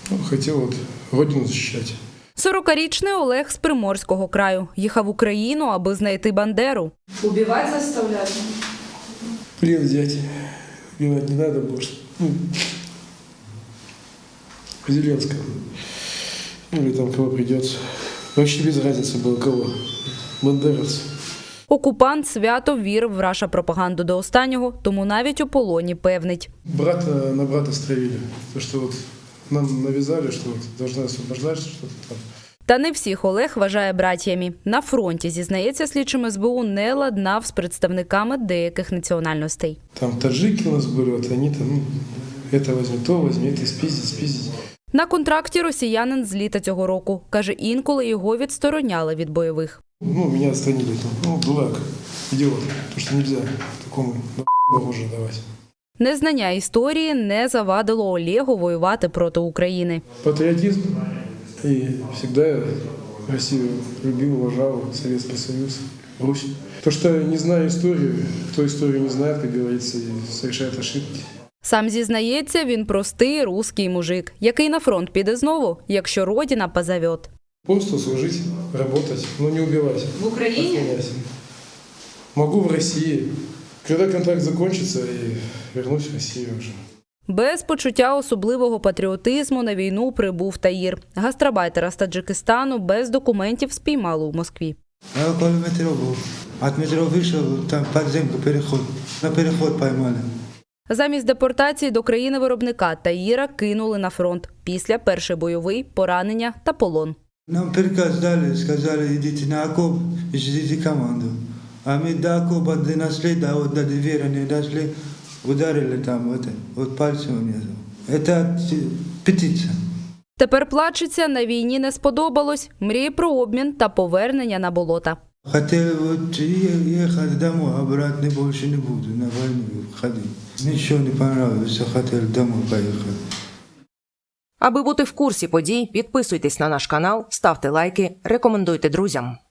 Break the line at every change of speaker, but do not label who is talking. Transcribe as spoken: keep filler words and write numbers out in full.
Ну, хотел вот родину защищать.
сорокарічний Олег з Приморського краю. Їхав в Україну, аби знайти Бандеру.
Убивать заставляли?
Плен взять. Убивать не надо больше. Ну, Зеленского. Ну, или там кого придется. Вообще без разницы было кого. Бандеровцы.
Окупант свято вірив в раша-пропаганду до останнього, тому навіть у полоні певнить.
Брата на брата стравили. То, что вот нам навязали, что вот должны освобождать что-то там.
Та не всіх Олег вважає братіями. На фронті, зізнається слідчим ес бе у, не ладнав з представниками деяких національностей.
Там таджики у нас были, вот они там, ну, это возьми, то возьми, это спиздить, спиздить.
На контракті росіянин з літа цього року. Каже, інколи його відстороняли від бойових.
Ну, меня отстранили, там, ну, дурак, идиот, потому что нельзя такому на уже давать.
Незнання історії не завадило Олегу воювати проти України.
Патриотизм, и всегда я Россию любил, уважал, Советский Союз, Русь. То, что не знаю историю, кто историю не знает, как говорится, и совершает ошибки.
Сам зізнається, він простий русський мужик, який на фронт піде знову, якщо родина позовет.
Просто служить, работать, но не убивать.
В Украине?
Могу в России. Когда контракт закончится, и вернусь в Россию уже.
Без почуття особливого патріотизму на війну прибув Таїр. Гастарбайтера з Таджикистану без документів спіймали у Москві.
Я около метро был. От метро вышел, там подземку переход. На переход поймали.
Замість депортації до країни-виробника Таїра кинули на фронт. Після перший бойовий, поранення та полон.
Нам приказ дали, сказали, идите на окоп и ждите команду. А мы до окопа донесли, до, вот, до двери не дошли, ударили там вот, вот пальцем внизу. Это птица.
Тепер плачеться, на війні не сподобалось, мріє про обмін та повернення на болота.
Хотели вот ехать домой, обратно больше не буду, на войну ходить. Ничего не понравилось, все хотели домой поехать.
Аби бути в курсі подій, підписуйтесь на наш канал, ставте лайки, рекомендуйте друзям.